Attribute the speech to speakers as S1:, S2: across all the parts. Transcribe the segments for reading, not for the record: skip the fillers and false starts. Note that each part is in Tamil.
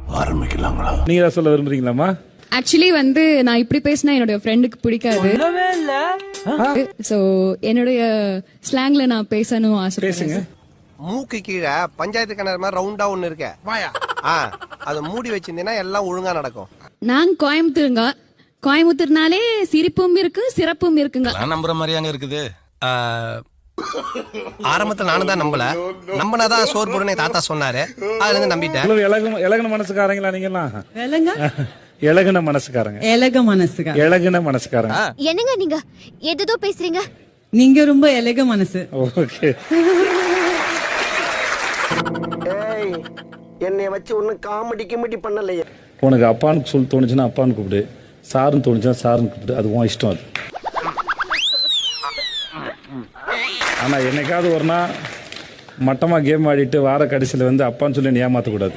S1: ஆரம்பிக்கலாங்களா?
S2: நீங்க ஏதாவது சொல்ல விரும்புறீங்களாமா?
S3: ஆக்சுவலி வந்து நான் இப்படி பேசினா என்னோட ஃப்ரெண்டுக்கு பிடிக்காது. சோ என்னுடைய ஸ்லாங்ல நான் பேசணும்
S2: பேசுங்க.
S3: ஆசைப்படுறேன்.
S4: மூக்கு கீழே பஞ்சாயத்து கிணறு மாதிரி ரவுண்டா ஒண்ணு இருக்க அதை மூடி வச்சிருந்தீங்கன்னா எல்லாம் ஒழுங்கா நடக்கும்.
S3: நான் கோயம்புத்தூருங்க. கோயம்புத்தூர்னாலே சிரிப்பும் இருக்கு சிறப்பும் இருக்குங்க.
S5: நம்புற மாதிரியாங்க இருக்குது.
S4: ஆரம்பத்துல நானும் தான் நம்பல. நம்பினாதான் சோறு போடுன்னு தாத்தா சொன்னாரு. அதுல இருந்து நம்பிட்டேன்.
S2: இலகுன மனசுக்காரங்களா நீங்கலாம்? இலகுன மனசுக்காரங்க. இலகுன மனசுக்காரங்க.
S6: என்னங்க நீங்க எதோ பேசுறீங்க?
S7: நீங்க ரொம்ப எலக மனசு.
S2: ஓகே.
S8: ஏய் என்னைய வச்சு ஒன்னும் காமெடி கிமெடி பண்ணலையே.
S2: உனக்கு அப்பான்னு சொல்லி தோணுச்சுன்னா அப்பான்னு கூப்பிடு, சாருன்னு தோணுச்சுன்னா சாருன்னு கூப்பிடு, அது உன் இஷ்டம். அது ஆனா என்னைக்காவது ஒரு நாள் மட்டமா கேம் ஆடிட்டு வார கடைசியில வந்து அப்பான்னு சொல்லி நீ ஏமாத்தக்கூடாது.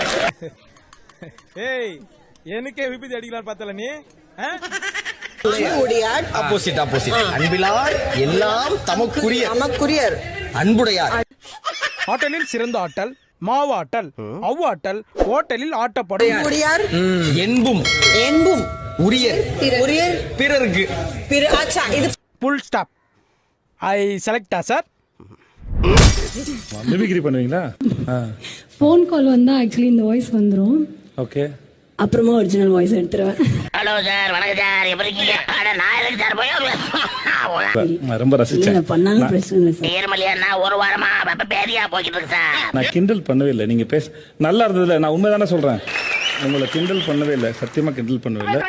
S9: ஏய் எனக்கே விபத்து அடிக்கலாம் பார்த்தல நீ.
S8: ஆப்போசிட் அன்பிலார் எல்லாம் தமக்குரியர் அன்புடையார்.
S9: ஆட்டலில் சிறந்த ஆட்டல் மாவாட்டல் அவ்வாட்டல் ஓட்டலில் ஆட்டப்படும்.
S8: என்பும் உரியர் பிறருக்கு.
S9: Full stop. ஐ செலக்டா சார்.
S2: மிமிக்ரி பண்ணுவீங்களா?
S3: ஃபோன் கால் வந்தா ஆக்சுவலி இந்த வாய்ஸ் வந்துரும்.
S2: ஓகே.
S3: அப்புறமா ஒரிஜினல் வாய்ஸ் எடுத்துருவேன்.
S6: ஹலோ சார், வணக்கம் சார், எப்படி இருக்கீங்க? நான் எதுக்கு சார் போய்
S2: ரொம்ப ரசிச்சேன்.
S3: பண்ணாலும் பிரச்சனை இல்லை சார்.
S6: ஏர்மலியா ஒரு வாரமா பேதியா போய்கிட்டு இருக்கு சார்.
S2: நான் கிண்டல் பண்ணவே இல்லை. நீங்க பேச நல்லா இருந்ததுல, நான் உண்மைதானே சொல்றேன். உங்களை கிண்டல் பண்ணவே இல்லை, சத்தியமா கிண்டல் பண்ணவே இல்லை.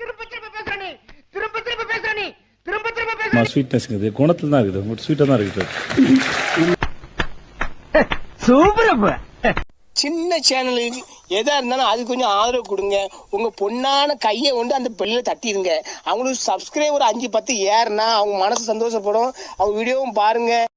S2: ஸ்வீட்னஸ் குணத்துல தான் இருக்குது, உங்க ஸ்வீட்டா தான் இருக்குது.
S8: சூப்பர்.
S10: சின்ன சேனலுக்கு எதா இருந்தாலும் அது கொஞ்சம் ஆதரவு கொடுங்க. உங்க பொண்ணான கையை கொண்டு அந்த பெல்ல தட்டிடுங்க. அவங்களுக்கு சப்ஸ்கிரைபர் 5-10 ஏறுனா அவங்க மனசு சந்தோஷப்படும். அவங்க வீடியோவும் பாருங்க.